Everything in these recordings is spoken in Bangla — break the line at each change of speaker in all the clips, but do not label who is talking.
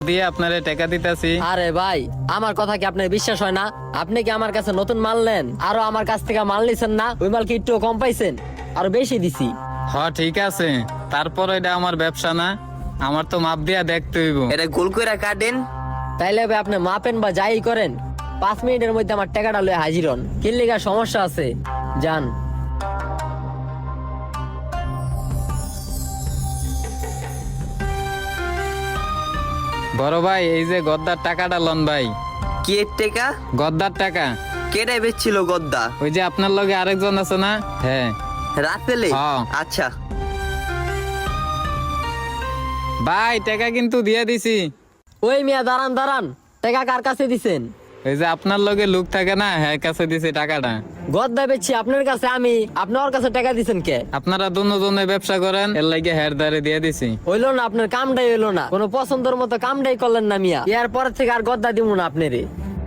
দিয়ে আপনারে টাকা দিতেছি।
আরে ভাই, আমার কথা কি আপনার বিশ্বাস হয় না? আপনি কি আমার কাছে নতুন মাল নেন? আরো আমার কাছ থেকে মাল নিছেন না? ওই মাল কি একটু কম পাইছেন? আরো বেশি দিছি।
ঠিক আছে, তারপর এটা আমার ব্যবসা না, আমার তো মাপ দিয়া দেখতে হইব।
এটা গোল করে কাটেন।
তাইলে ভাই আপনি মাপেন বা যাই করেন, 5 মিনিটের মধ্যে আমার টাকাটা লয়ে হাজির হন। কিল্লিগার সমস্যা আছে, যান।
বড় ভাই, এই যে গদ্দার টাকাটা লন ভাই।
কি এর টাকা?
গদ্দার টাকা।
কেটে বেচছিল গদ্দা?
ওই যে আপনার লগে আরেকজন আছে না? হ্যাঁ।
রাতেলে?
হ্যাঁ।
আচ্ছা
ভাই, টাকা কিন্তু দিয়ে দিছি।
ওই মিয়া দাঁড়ান দাঁড়ান, টাকা কার কাছে দিছেন?
ওই যে আপনার লগে লোক থাকে না, হ্যাঁ কাছে দিছি টাকাটা।
গদ্দা বেচছি আপনার কাছে আমি, আপনি ওর কাছে টাকা দিছেন কে?
আপনারা দুজনে ব্যবসা করেন, এর লাগে হের দারে দিয়ে দিছি।
হইলো না, আপনার কামটাই হইলো না, কোনো পছন্দের মতো কামটাই করলেন না মিয়া। এর পর থেকে আর গদ্দা দিব না আপনারে।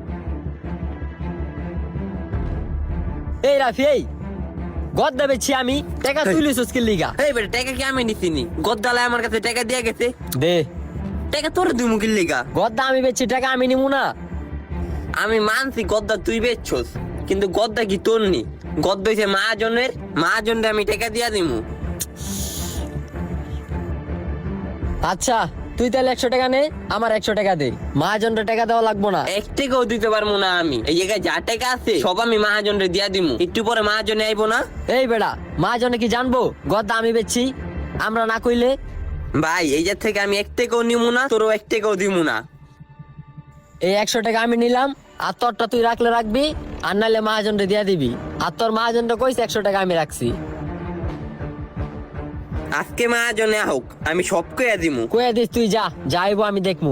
এই রাফি, এই গদ্দা বেচছি আমি, টাকা তুলিস কিল্লিগা?
এই বেটা, টাকা কি আমি নিছিনি? গদ্দালায় আমার কাছে টাকা দিয়ে গেছে।
দে
টাকা তোর দিই মুখির লিগা।
গদ্দা আমি বেচছি, টাকা আমি নিমু না?
আমি মানছি গদ্দা তুই বেচছস, কিন্তু গদ্দা কি তোর নি? গদ্দা হইছে মহাজনের, মহাজনরে আমি টাকা দিয়া দিমু।
আচ্ছা, তুই তাহলে 100 টাকা নে, আমার 100 টাকা দে। মহাজনটা টাকা দেওয়া লাগবো না।
এক টাকাও দিতে পারবো না আমি। এই জায়গায় যা টাকা আছে সব আমি মহাজনরে দিয়া দিমু। একটু পরে মহাজনে আইবো না?
এই বেড়া, মহাজনে কি জানবো গদ্দা আমি বেচছি? আমরা না কইলে?
ভাই, এই জায়গা থেকে আমি এক টাকাও নিমু না, তোরও এক টাকাও দিমু না।
এই 100 টাকা আমি নিলাম, আর তোরটা তুই রাখলে রাখবি, আর নাইলে মহাজনটা দিয়া দিবি। আর তোর মহাজনটা কইছে 100 টাকা আমি রাখছি।
আজকে মহাজনে হোক, আমি সব কইয়া দিমু।
কয়ে দিস তুই, যা যাইবো আমি দেখমু।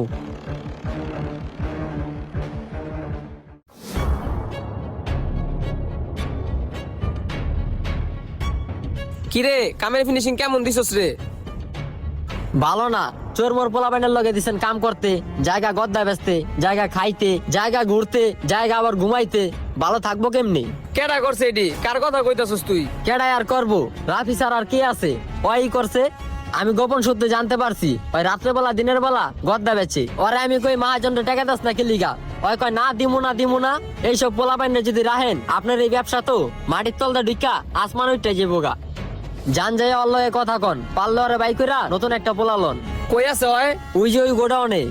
কিরে, কামের ফিনিশিং কেমন দিছস রে?
ভালো না, চোর মোর পোলা বাইনের লগে দিছেন কাম করতে, জায়গা গদ্দা বেচতে, জায়গা খাইতে, জায়গা ঘুরতে, জায়গা আবার ঘুমাইতে। ভালো থাকবো কেমনি?
কেডা করছে এডি? কার কথা কইতাছস তুই?
কেডাই আর করবো? রাফি স্যার আর কে আছে? ওই করছে। আমি গোপন সূত্রে জানতে পারছি ওই রাত্রেবেলা দিনের বেলা গদ্দা বেচে। ওরে আমি কই মহাজনটা টাকা দাস না কিলিগা? ওই কয় না দিমু না দিমু না। এইসব পোলা বাইনে যদি রাহেন, আপনার এই ব্যবসা তো মাটির তলদা ঢিকা আসমান উঠতে যাবোগা। জান যায় অল্লয়ে কথা কন, পারলে ওরে বাই কইরা নতুন একটা পোলা লন।
কই আছে ওই?
ওই যে ওই গোডাউনে।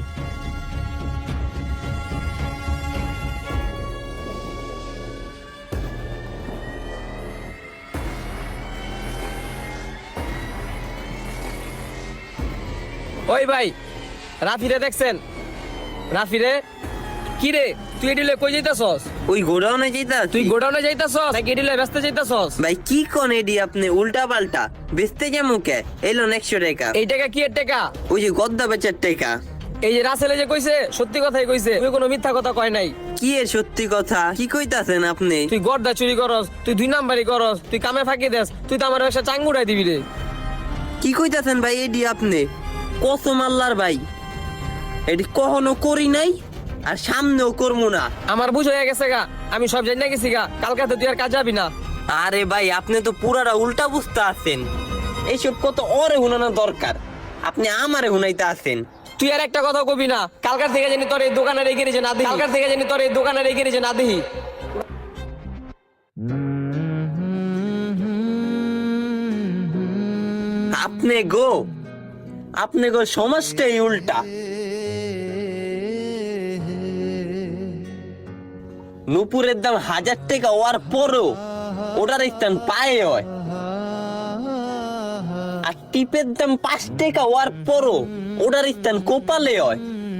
ওই ভাই, রাফিরে দেখছেন? রাফিরে? কি রে, তুই এডিলে কই যাইতাছস?
ওই গোডাউনে যেটা
তুই গোডাউনে যাইতাছস নাকি এডিলে ব্যস্ত যাইতাছস?
ভাই কি কোন এডি আপনি উল্টা পাল্টা বেচতে যাবো কে? এলো 100 টাকা।
এই টাকা কি এর টাকা?
ওই যে গদ্দা বেচার টাকা।
এই যে রাসেলে যে কইছে সত্যি কথাই কইছে, তুই কোনো মিথ্যা কথা কয় নাই।
কি এর সত্যি কথা? কি কইতাছেন আপনি?
তুই গর্দা চুরি করস, তুই 2 নাম্বারই করস, তুই কামে ফাঁকি দেস, তুই তো আমার ব্যবসা চাঙ্গুড়াই দিবি রে।
কি কইতাছেন ভাই এডি আপনি? কসম আল্লাহর ভাই, এডি কখনো করি নাই আর সামনেও করবো না।
আমার বুঝ হয়ে গেছে গা, আমি সব জানি গেছি গা, কালকে তো তুই আর কাজ যাবি না।
আরে ভাই, আপনি তো পুরাটা উল্টা বুঝতে আছেন। এইসব কত ওরে হুনানো দরকার, আপনি আমারে হুনাইতে আছেন।
তুই আর একটা কথা কবি না, কালকার থেকে জানি তোর এই দোকানে রেখে রেখে না দিই, কালকার থেকে জানি তোর এই দোকানে রেখে রেখে না দিই।
আপনি গো সমাজটাই উল্টা। নুপুরের দাম 1000 টাকা হওয়ার পরও ওটার স্থান পায়ে হয়, আর টিপের দাম 5 টাকা হওয়ার পরও ওটার স্থান কোপালে হয়।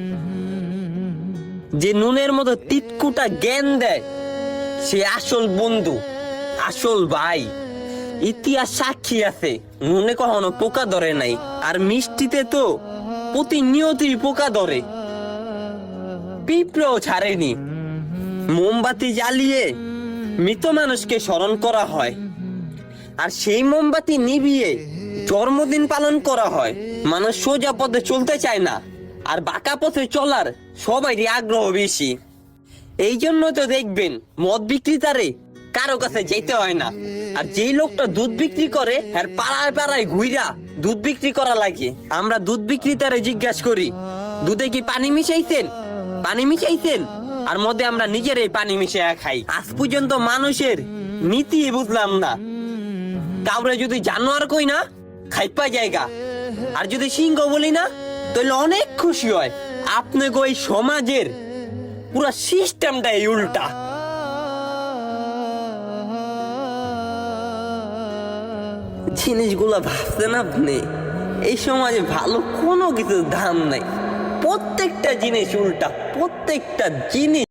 যে নুনের মতো তিতকুটা জ্ঞান দেয় সে আসল বন্ধু, আসল ভাই। ইতিহাস সাক্ষী আছে নুনে কখনো পোকা ধরে নাই, আর মিষ্টিতে তো প্রতিনিয়তই পোকা ধরে, পিঁপড়েও ছাড়েনি। মোমবাতি জ্বালিয়ে মৃত মানুষকে স্মরণ করা হয়, আর সেই মোমবাতি নিভিয়ে জন্মদিন পালন করা হয়। মানুষ সোজা পথে চলতে চায় না, আর বাঁকা পথে চলার সবারই আগ্রহ বেশি। এই জন্য তো দেখবেন মদ বিক্রেতারে কারো কাছে যেতে হয় না, আর যেই লোকটা দুধ বিক্রি করে পাড়ায় পাড়ায় ঘুইরা দুধ বিক্রি করা লাগে। আমরা দুধ বিক্রেতারে জিজ্ঞাসা করি দুধে কি পানি মিশাইছেন? পানি মিশাইছেন, আর মধ্যে আমরা নিজেরাই পানি মিশিয়ে খাই। আজ পর্যন্ত মানুষের নীতি বুঝলাম না। কাউরে যদি জানোয়ার কই না, খাইপা জায়গা, আর যদি সিংহ বলি না, তাহলে অনেক খুশি হয়। আপনি ওই সমাজের পুরো সিস্টেমটাই উল্টা। জিনিসগুলা ভাবছেন আপনি? এই সমাজে ভালো কোনো কিছুর দাম নাই, প্রত্যেকটা জিনিস উল্টা, প্রত্যেকটা জিনিস